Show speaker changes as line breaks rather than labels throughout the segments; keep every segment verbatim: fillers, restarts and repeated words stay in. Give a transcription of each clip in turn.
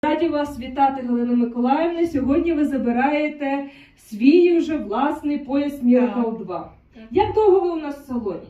Раді вас вітати, Галина Миколаївна. Сьогодні ви забираєте свій вже власний пояс Miracle два.
Так.
Як довго ви у нас в салоні?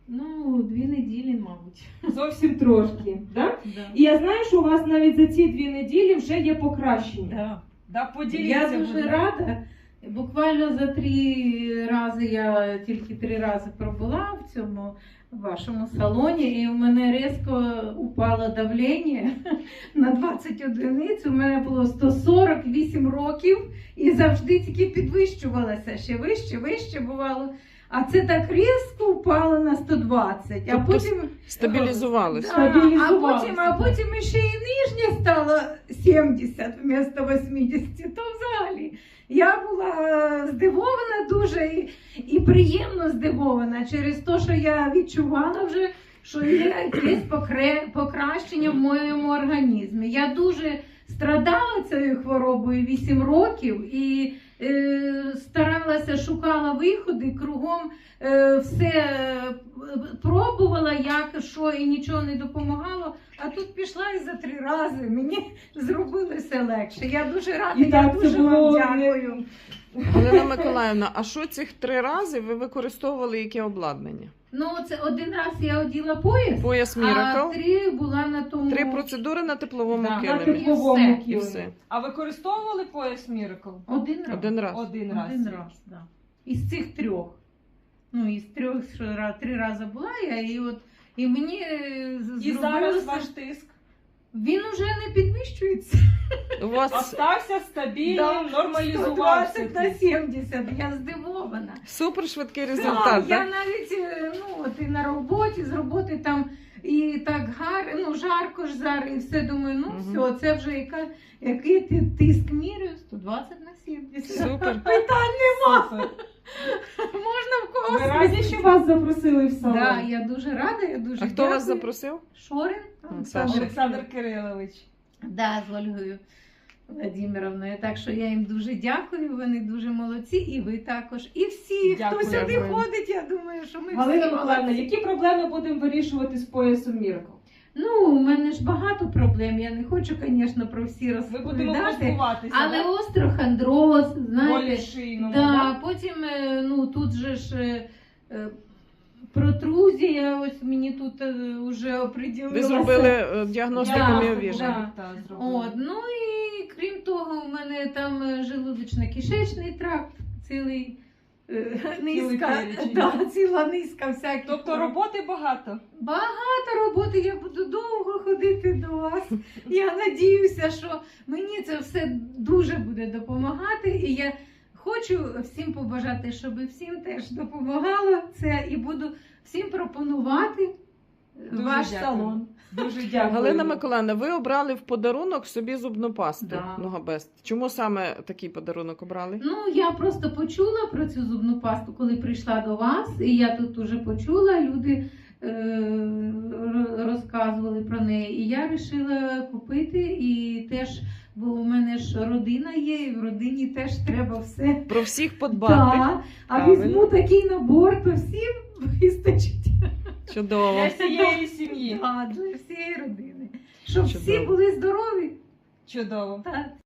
Ну, дві неділі, мабуть.
Зовсім трошки, да?
Да.
І я знаю, що у вас навіть за ці дві неділі вже є покращення.
Да.
Да, поділіться.
Я дуже
будь ласка.
рада. Буквально за три рази, я тільки три рази пробула в цьому вашому салоні, і у мене різко упало давлення на двадцять одиниць. У мене було сто сорок вісім років і завжди тільки підвищувалося, ще вище, вище бувало. А це так різко впало на сто двадцять, а
Тобто
потім
стабілізувалися.
Да, а
Стабілізувалося.
потім, а потім ще і нижня стала сімдесят вмісто вісімдесят, то взагалі. Я була здивована дуже і, і приємно здивована через те, що я відчувала вже, що є якесь покре- покращення в моєму організмі. Я дуже страдала цією хворобою вісім років і е, старалася, шукала виходи, кругом е, все е, пробувала, як, що, і нічого не допомагало. А тут пішла і за три рази мені зробили все легше. Я дуже рада,
І
я
так це
дуже вам
було
дякую.
Галина Миколаївна, а що цих три рази ви використовували яке обладнання?
Ну, це один раз я оділа пояс,
Пояс
а
Miracle,
три була на тому.
три процедури на тепловому
Да.
На
килимі.
тепловому
І все.
І
килимі.
все.
А використовували пояс Miracle?
Один раз.
Один раз.
Один раз.
Один раз, да. Із цих трьох. Ну, із трьох, що ра- три рази була я, і от і мені е, з-
І зараз
зробилося-
ваш тиск
Він уже не підвищується.
У вас
остався стабільним,
Да,
нормалізувався.
сто двадцять на сімдесят, я здивована.
супер швидкий
Так,
результат,
я
так?
навіть е, ну, от і на роботі, з роботи там і так гарно, ну жарко ж зараз, і все думаю, ну
Мгм.
все, це вже яка, який ти тиск міряю, сто двадцять на сімдесят.
Супер.
Питань нема,
Супер.
можна в
Ви
когось.
раді, що вас запросили в салон?
Да, я дуже рада, я дуже
А хто
дякую.
вас запросив?
Шорин
Саша.
Олександр Кирилович.
Да, з Ольгою Владимировною. Так що я їм дуже дякую, вони дуже молодці, і ви також. І всі,
Дякую.
хто сюди
Дякую.
ходить, я думаю, що ми
Галина
всі
Миколаївна,
молодці.
які проблеми будемо вирішувати з поясом Miracle?
Ну, у мене ж багато проблем, я не хочу, звісно, про всі
Ми будемо
розповідати.
позбуватися,
Але
да?
остеохондроз,
болі
знаєте,
шийному,
да,
да?
потім, е, ну, тут же ж е, е, протрузія, ось мені тут е, вже оприділилася.
Ви зробили е, діагностику
Да,
міовіження.
да.
Так, зробили.
От, ну і крім того, у мене там е, желудочно-кишечний тракт, цілий е, низка,
перечень,
да,
да?
ціла низка всяких.
Тобто роботи багато?
Багато роботи, я буду довго ходити до вас. Я надіюся, що мені це все дуже буде допомагати. І я хочу всім побажати, щоб всім теж допомагало це, і буду всім пропонувати
Дуже
ваш
дякую.
салон.
Дуже дякую.
Галина Миколаївна, ви обрали в подарунок собі зубну пасту
Да.
Ногабест. Чому саме такий подарунок обрали?
Ну, я просто почула про цю зубну пасту, коли прийшла до вас, і я тут уже почула, люди е- р- розказували про неї, і я вирішила купити, і теж, бо у мене ж родина є, і в родині теж треба все.
Про всіх подбати.
Так, а
Правильно.
візьму такий набор, то всім вистачить.
Чудово.
Для всієї сім'ї.
Так, для всієї родини. Щоб всі
Чудово.
були здорові.
Чудово.
Так.